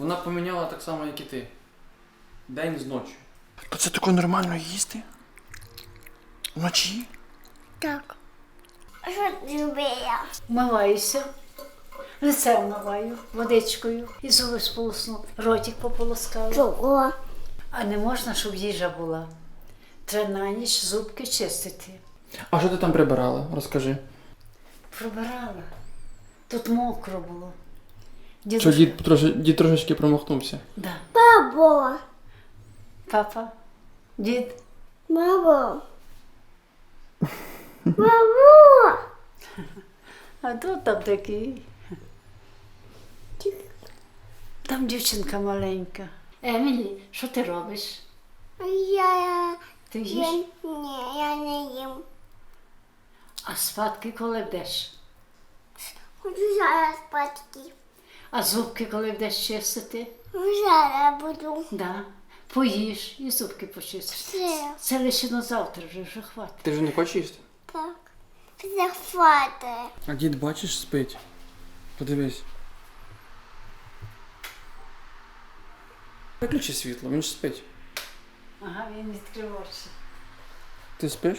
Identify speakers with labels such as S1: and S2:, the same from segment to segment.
S1: Вона поміняла так само, як і ти. День з ночі.
S2: То це таке нормально їсти? Вночі?
S3: Так. А що ти робила?
S4: Вмиваюся, лице вмиваю водичкою і зуби сполосну, ротик пополоскала.
S3: Чого?
S4: А не можна, щоб їжа була. Треба на ніч зубки чистити.
S1: А що ти там прибирала? Розкажи.
S4: Пробирала. Тут мокро було.
S1: Що дід трошечки промахнувся?
S4: Да.
S3: Бабо.
S4: Папа, дід.
S3: Бабо. Бабо.
S4: А тут там такий. Там дівчинка маленька. Емілі, що ти робиш? Ти їш?
S3: Ні, я не їм.
S4: А спадки коли вдеш?
S3: Хочу зараз спати.
S4: А зубки коли вдеш чистити?
S3: Зараз буду.
S4: Да. Поїж і зубки почистиш.
S3: Все.
S4: Це лише на завтра вже хватить.
S1: Ти вже не хочеш їсти?
S3: Так. Захвати.
S1: А дід, бачиш, спить. Подивись. Виключи світло, він ж спить.
S4: Ага, він відкрив очі.
S1: Ти спиш?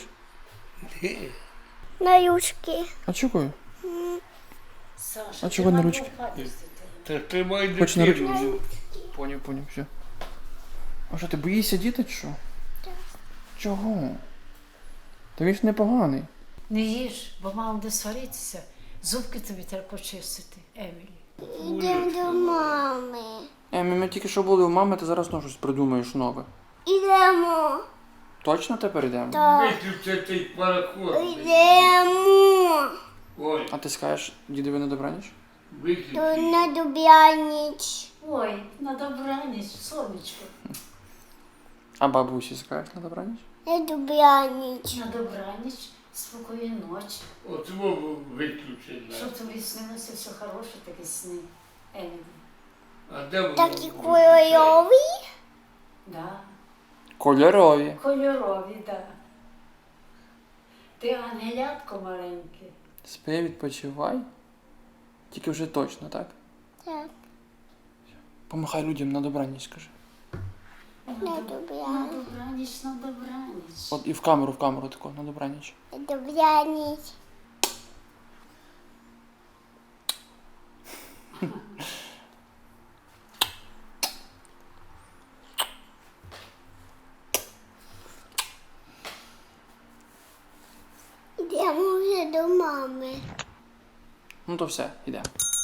S3: На юшки.
S1: А чого?
S4: Саша,
S1: А чого на ручки?
S5: Так тримай
S1: Хоч на
S5: дитину.
S1: ручки? Поняв, все. А що, ти боїшся діти чи що?
S3: Так.
S1: Чого? Та він ж непоганий.
S4: Не їж, бо мама буде сваритися. Зубки тобі треба почистити, Емілі.
S3: Йдемо до мами.
S1: Ми тільки що були у мами, ти зараз знову щось придумаєш нове.
S3: Ідемо.
S1: Точно тепер йдемо?
S3: Так.
S5: Виключи цей пароход.
S3: Йдемо.
S5: Ой,
S1: А ти скажеш дідові на добраніч?
S3: То
S5: виключи.
S3: на добраніч.
S4: Ой, на добраніч, сонечко.
S1: А бабусі скажеш на добраніч?
S3: На добраніч.
S4: На добраніч, спокійної ночі.
S5: От мову виключи.
S4: Щоб тобі снилося все хороше, такі сни, Емілі.
S5: А де воно?
S3: Такі кольорові.
S4: Да.
S1: Кольорові.
S4: Кольорові, так. Да. Ти ангелятко маленьке.
S1: Спи, відпочивай. Тільки вже точно, так?
S3: Так.
S1: Помахай людям на добраніч, скажи.
S3: На
S4: На
S3: добраніч.
S4: добраніч, на добраніч.
S1: От і в камеру тако, на добраніч.
S3: На добраніч. Йдемо вже до мами.
S1: Ну то все, йдемо.